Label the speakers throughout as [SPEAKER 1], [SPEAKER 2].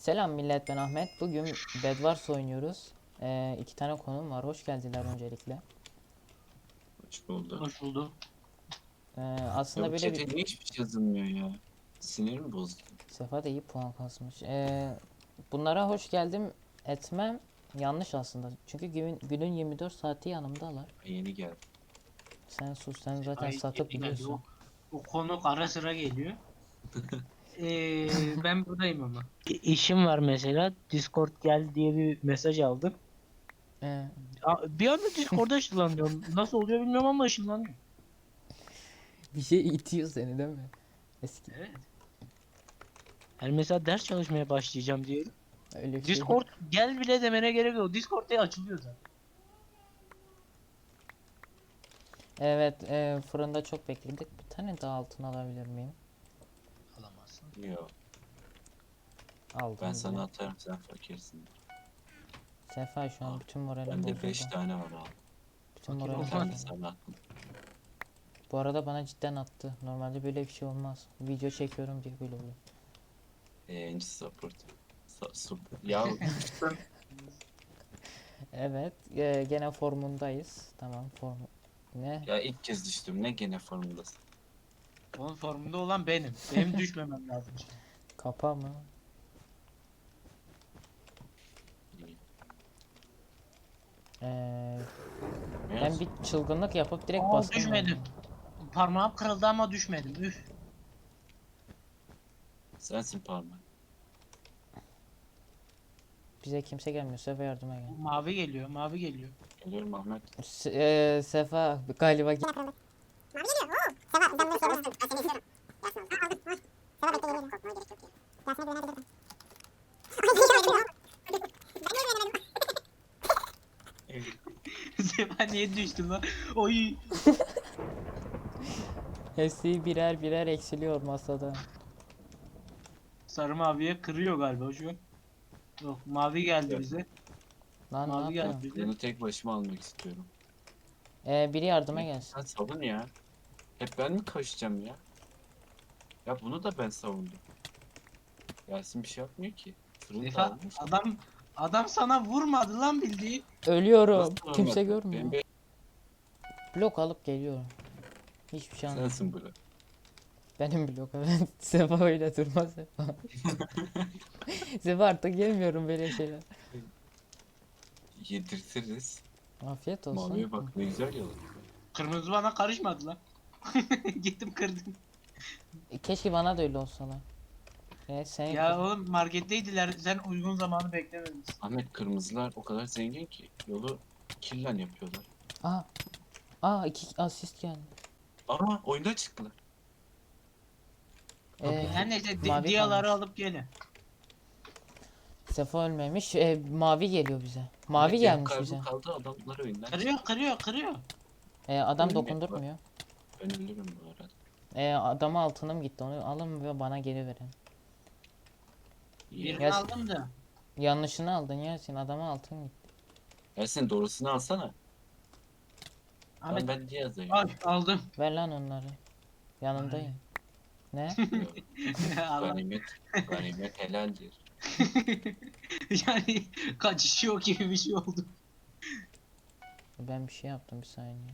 [SPEAKER 1] Selam millet, ben Ahmet. Bugün Bedwars oynuyoruz. İki tane konum var. Hoş geldiler öncelikle.
[SPEAKER 2] Hoş bulduk.
[SPEAKER 3] Hoş bulduk.
[SPEAKER 2] Ya
[SPEAKER 1] Aslında
[SPEAKER 2] bu
[SPEAKER 1] böyle bir
[SPEAKER 2] chat'e niye hiçbir şey yazılmıyor ya? Sinir mi bozdu?
[SPEAKER 1] Sefa da iyi puan kasmış. Bunlara hoş geldim etmem yanlış aslında. Çünkü günün 24 saati yanımdalar.
[SPEAKER 2] Ay, yeni geldi.
[SPEAKER 1] Sen sus, sen zaten
[SPEAKER 3] Ay
[SPEAKER 1] satıp
[SPEAKER 3] yeni geldi.
[SPEAKER 1] biliyorsun.
[SPEAKER 3] O konuk ara sıra geliyor. Ben buradayım ama. İşim var mesela. Discord gel diye bir mesaj aldım.
[SPEAKER 1] Ee,
[SPEAKER 3] Bir anda Discord'a ışınlanıyorum. Nasıl oluyor bilmiyorum ama ışınlanıyorum.
[SPEAKER 1] Bir şey itiyor seni değil mi? Eski
[SPEAKER 3] Evet. Yani mesela ders çalışmaya başlayacağım diyelim.
[SPEAKER 1] öyle bir şey.
[SPEAKER 3] Discord gel bile demene gerek yok. Discord diye açılıyor zaten.
[SPEAKER 1] Evet, fırında çok bekledik. Bir tane daha altın alabilir miyim?
[SPEAKER 3] Alamazsın.
[SPEAKER 2] Yok.
[SPEAKER 1] Aldım
[SPEAKER 2] Ben
[SPEAKER 1] bile.
[SPEAKER 2] sana atarım, sen fakirsin.
[SPEAKER 1] Sefa şu an
[SPEAKER 2] Al.
[SPEAKER 1] bütün moralim
[SPEAKER 2] Bende 5
[SPEAKER 1] bozuldu.
[SPEAKER 2] tane var, al.
[SPEAKER 1] Bütün
[SPEAKER 2] Fakir
[SPEAKER 1] moralim
[SPEAKER 2] ol, ben de
[SPEAKER 1] bozuldu.
[SPEAKER 2] sana attım.
[SPEAKER 1] Bu arada bana cidden attı. Normalde böyle bir şey olmaz. Video çekiyorum diye böyle oluyor.
[SPEAKER 2] Support. Support. Ya uçtum.
[SPEAKER 1] Evet, gene formundayız. Tamam, form ne?
[SPEAKER 2] Ya ilk kez düştüm. Ne gene formundasın?
[SPEAKER 3] Onun formunda olan benim. Benim düşmemem lazım şimdi.
[SPEAKER 1] Kapa mı?
[SPEAKER 2] İyi.
[SPEAKER 1] E, ben
[SPEAKER 2] Mevzu.
[SPEAKER 1] bir çılgınlık yapıp direkt
[SPEAKER 3] Aa
[SPEAKER 1] bastım
[SPEAKER 3] düşmedim.
[SPEAKER 1] galiba.
[SPEAKER 3] Parmağım kırıldı ama düşmedim. Üf.
[SPEAKER 2] Sensin parmak.
[SPEAKER 1] Bize kimse gelmiyor. Sefa yardıma gel.
[SPEAKER 3] Mavi geliyor, mavi geliyor.
[SPEAKER 2] Geliyorum Ahmet.
[SPEAKER 1] Sefa galiba
[SPEAKER 3] Sefa niye düştün lan? Oy.
[SPEAKER 1] hepsi birer birer eksiliyor masada.
[SPEAKER 3] Sarı maviye kırıyor galiba şu an. Yok mavi geldi
[SPEAKER 2] Evet.
[SPEAKER 3] bize.
[SPEAKER 1] Lan ne
[SPEAKER 3] Mavi geldi
[SPEAKER 1] yapıyorsun?
[SPEAKER 3] bize.
[SPEAKER 2] Bunu tek başıma almak istiyorum.
[SPEAKER 1] Biri yardıma
[SPEAKER 2] Ya,
[SPEAKER 1] gelsin.
[SPEAKER 2] sen savun ya. Hep ben mi koşacağım ya? Ya bunu da ben savundum. Yasin bir şey yapmıyor ki. Fırın
[SPEAKER 3] Sefa
[SPEAKER 2] dağılmış.
[SPEAKER 3] adam sana vurmadı lan bildiğin.
[SPEAKER 1] Ölüyorum.
[SPEAKER 2] Nasıl
[SPEAKER 1] Kimse
[SPEAKER 2] olmadı?
[SPEAKER 1] görmüyor. Blok alıp geliyorum. Hiçbir şey anlamadım.
[SPEAKER 2] Sensin bu.
[SPEAKER 1] Benim blok evet. Sefa öyle durma Sefa. Sefa artık yemiyorum böyle şeyler.
[SPEAKER 2] Yedirtiriz.
[SPEAKER 1] Afiyet olsun.
[SPEAKER 2] Maviye bak ne güzel yalan.
[SPEAKER 3] Kırmızı bana karışmadı lan. Gittim kırdım.
[SPEAKER 1] Keşke bana da öyle olsa lan. Evet sen
[SPEAKER 3] Ya oğlum marketteydiler. Sen uygun zamanı beklememişsin.
[SPEAKER 2] Ahmet kırmızılar o kadar zengin ki yolu killen yapıyorlar.
[SPEAKER 1] Aa, iki asist geldi.
[SPEAKER 2] Ama oyunda çıktılar.
[SPEAKER 3] Her neyse
[SPEAKER 1] Mavi
[SPEAKER 3] diyaları
[SPEAKER 1] kalmış.
[SPEAKER 3] alıp gelin.
[SPEAKER 1] Sefa ölmemiş. Mavi geliyor bize. Mavi
[SPEAKER 2] Ahmet yarım
[SPEAKER 1] gelmiş
[SPEAKER 2] kalbim
[SPEAKER 1] bize.
[SPEAKER 2] kaldı adamlar oyundan çıktı.
[SPEAKER 3] Kırıyor.
[SPEAKER 1] Adam
[SPEAKER 2] Ölüm
[SPEAKER 1] dokundurtmuyor.
[SPEAKER 2] Ben ölürüm bu arada.
[SPEAKER 1] Adama altınım gitti. Onu alın ve bana geri verin.
[SPEAKER 2] İyi.
[SPEAKER 3] Birini
[SPEAKER 1] Ya-
[SPEAKER 3] aldım da.
[SPEAKER 1] Yanlışını aldın ya sen. Adama altın gitti.
[SPEAKER 2] Yasin doğrusunu alsana.
[SPEAKER 3] Ahmet
[SPEAKER 2] Ben diye yazayım.
[SPEAKER 3] ay aldım.
[SPEAKER 1] Ver lan onları. Yanındayım. Ne?
[SPEAKER 2] Yok.
[SPEAKER 3] Allah.
[SPEAKER 2] Ganimet, ganimet helaldir.
[SPEAKER 3] Yani kaçışıyor gibi bir şey oldu.
[SPEAKER 1] Ben bir şey yaptım bir saniye.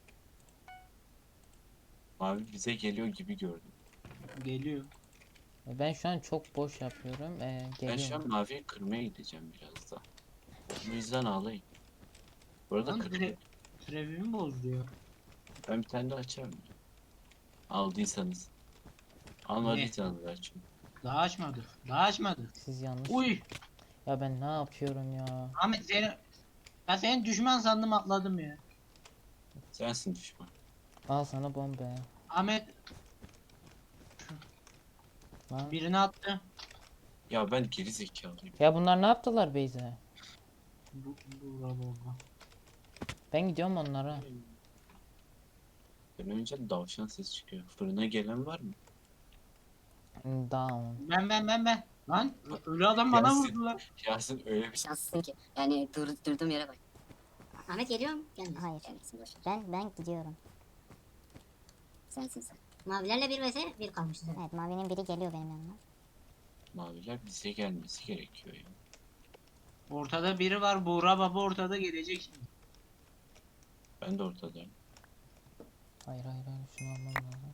[SPEAKER 2] Mavi bize geliyor gibi gördüm.
[SPEAKER 3] Geliyor.
[SPEAKER 1] Ben şu an çok boş yapıyorum.
[SPEAKER 2] Ben şu
[SPEAKER 1] Geliyorum.
[SPEAKER 2] an maviye kırmaya gideceğim biraz da. Bu yüzden ağlayayım. Bu arada
[SPEAKER 3] Lan
[SPEAKER 2] kırılıyor.
[SPEAKER 3] Trevimi bozuyor.
[SPEAKER 2] Ben bir tane daha açarım. Aldıysanız. Almadıysanız ver çünkü.
[SPEAKER 3] Daha açmadı.
[SPEAKER 1] Siz yanlış.
[SPEAKER 3] Uy.
[SPEAKER 1] Ya ben ne yapıyorum ya?
[SPEAKER 3] Ahmet senin düşman sandım atladım ya.
[SPEAKER 2] Sensin düşman.
[SPEAKER 1] Al sana bomba.
[SPEAKER 3] Ahmet
[SPEAKER 1] Lan.
[SPEAKER 3] birini attı.
[SPEAKER 2] Ya ben geri zekalıyım.
[SPEAKER 1] Ya bunlar ne yaptılar Beyze?
[SPEAKER 3] Bravo.
[SPEAKER 1] Ben gidiyorum onlara.
[SPEAKER 2] Ben önce davşan ses çıkıyor. Fırına gelen var mı?
[SPEAKER 1] Down.
[SPEAKER 3] Ben. Lan ölü adam bana
[SPEAKER 2] Gelsin.
[SPEAKER 3] vurdu lan.
[SPEAKER 2] Yasin öyle bir şey.
[SPEAKER 4] Şanslısın ki. Yani durduğum yere bak. Ahmet geliyor mu? Gelmiyor.
[SPEAKER 5] Hayır.
[SPEAKER 4] Gelmesin boş ver.
[SPEAKER 5] Ben gidiyorum.
[SPEAKER 4] Sensin sen. Mavilerle bir vs bir kalmıştı.
[SPEAKER 5] Evet, mavinin biri geliyor benim yanıma.
[SPEAKER 2] Maviler bize gelmesi gerekiyor ya.
[SPEAKER 3] Ortada biri var. Buğra baba ortada gelecek şimdi.
[SPEAKER 2] Ben de ortadayım.
[SPEAKER 1] Hayır hayır hayır, şunu almam lazım.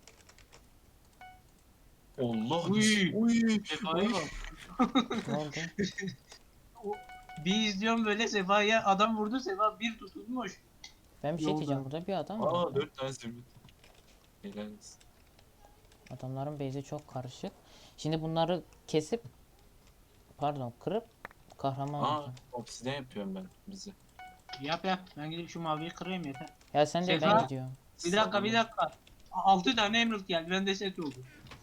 [SPEAKER 2] Allah!
[SPEAKER 3] Uy!
[SPEAKER 2] Uy!
[SPEAKER 3] Sefa'ya bak.
[SPEAKER 1] Ne oldu?
[SPEAKER 3] Bir izliyorum böyle Sefa'ya adam vurdu, Sefa bir tutulmuş.
[SPEAKER 1] Ben bir şey
[SPEAKER 3] Yolda.
[SPEAKER 1] diyeceğim, burada bir adam var.
[SPEAKER 2] Aa 4 tane zümrüt. Helal olsun.
[SPEAKER 1] Adamların base'i çok karışık. Şimdi bunları kesip, pardon kırıp kahraman
[SPEAKER 2] Aa
[SPEAKER 1] olacağım.
[SPEAKER 2] obsidian yapıyorum ben bizi.
[SPEAKER 3] Yap yap. Ben gidip şu maviyi kırayım yeter.
[SPEAKER 1] Ya sen de ben
[SPEAKER 3] Sefa.
[SPEAKER 1] gidiyorum.
[SPEAKER 3] Bir dakika. 6 tane emerald geldi. Bende set oldu.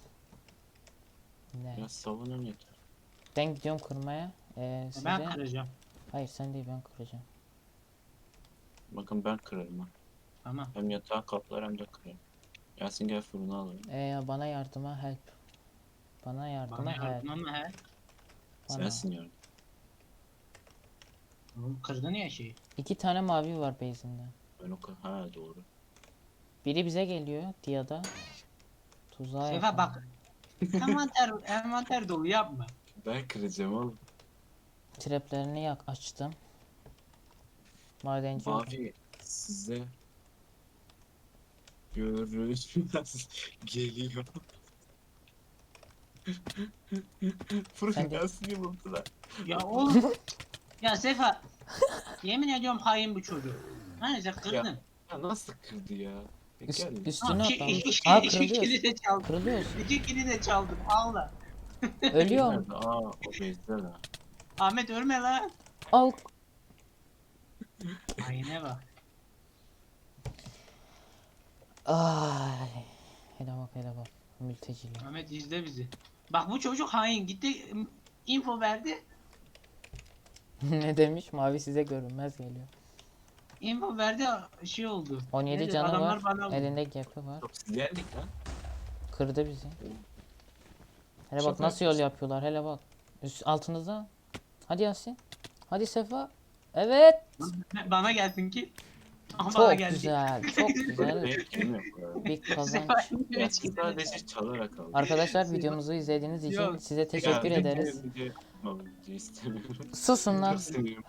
[SPEAKER 1] Ne?
[SPEAKER 2] Biraz savunun yeter.
[SPEAKER 1] Ben gidiyorum kırmaya. Size...
[SPEAKER 3] Ben kıracağım.
[SPEAKER 1] Hayır sen değil, ben kıracağım.
[SPEAKER 2] Bakın ben kırarım ha.
[SPEAKER 3] Tamam.
[SPEAKER 2] Hem yatağı kaplar hem de kırarım. Yasin gel fırını alalım.
[SPEAKER 1] Bana yardıma help. Bana yardıma
[SPEAKER 3] Bana
[SPEAKER 1] help.
[SPEAKER 3] yardım ama he.
[SPEAKER 1] Bana.
[SPEAKER 2] Sensin yardım.
[SPEAKER 3] Oğlum kırdın ya şeyi.
[SPEAKER 1] 2 tane mavi var base'inde.
[SPEAKER 2] Ben o kadar. Ha doğru.
[SPEAKER 1] Biri bize geliyor Dia'da. Tuzağa
[SPEAKER 3] Sefa
[SPEAKER 1] yakın.
[SPEAKER 3] bak. Envanter dolu yapma.
[SPEAKER 2] Ben kıracağım oğlum.
[SPEAKER 1] Traplerini açtım. Madenci oldum.
[SPEAKER 2] Mavi size görüşmez geliyor.
[SPEAKER 1] Sen
[SPEAKER 2] Fırın
[SPEAKER 1] de-
[SPEAKER 2] Yasin'i buldular.
[SPEAKER 3] Ya oğlum. Ya Sefa. Yemin ediyorum hain bu çocuk. Neyse kırdın.
[SPEAKER 2] Ya nasıl kırdı ya? Gel.
[SPEAKER 1] Üstüne
[SPEAKER 3] Ha,
[SPEAKER 1] atlamış.
[SPEAKER 3] iki
[SPEAKER 1] Aa
[SPEAKER 3] kili
[SPEAKER 1] kırılıyorsun.
[SPEAKER 3] de çaldım.
[SPEAKER 1] Kırılıyorsun.
[SPEAKER 3] 2 kili de çaldım. Ağla.
[SPEAKER 1] Ölüyorum.
[SPEAKER 2] Nerede? Aa o bezde la.
[SPEAKER 3] Ahmet ölme lan.
[SPEAKER 1] Al.
[SPEAKER 3] Haine bak.
[SPEAKER 1] Ay. Hele bak hele bak. Mülteciler.
[SPEAKER 3] Ahmet izle bizi. Bak bu çocuk hain. Gitti info verdi.
[SPEAKER 1] Ne demiş? Mavi size görünmez geliyor.
[SPEAKER 3] Info verdi şey oldu.
[SPEAKER 1] 17
[SPEAKER 3] Neydi,
[SPEAKER 1] canı
[SPEAKER 3] adamlar
[SPEAKER 1] var.
[SPEAKER 3] bana vurdu.
[SPEAKER 1] Elinde gap'i var.
[SPEAKER 2] Obsidyenlik lan.
[SPEAKER 1] Kırdı bizi. Hele bak
[SPEAKER 2] Şaka
[SPEAKER 1] nasıl yol
[SPEAKER 2] yapıyorsun.
[SPEAKER 1] yapıyorlar. Hele bak. Altınızda. Hadi Yasin. Hadi Sefa. Evet.
[SPEAKER 3] Bana gelsin ki. Ama bana
[SPEAKER 1] Çok
[SPEAKER 3] geldi.
[SPEAKER 1] güzel. Çok güzel.
[SPEAKER 2] Benim kim yok bu arada.
[SPEAKER 1] Bir kazanç.
[SPEAKER 2] Yasin sadece çalarak aldı.
[SPEAKER 1] Arkadaşlar videomuzu izlediğiniz için
[SPEAKER 3] Yok.
[SPEAKER 1] size teşekkür
[SPEAKER 2] Ya,
[SPEAKER 1] ederiz.
[SPEAKER 2] video istemiyorum.
[SPEAKER 1] Susun lan.
[SPEAKER 2] Çok seviyorum.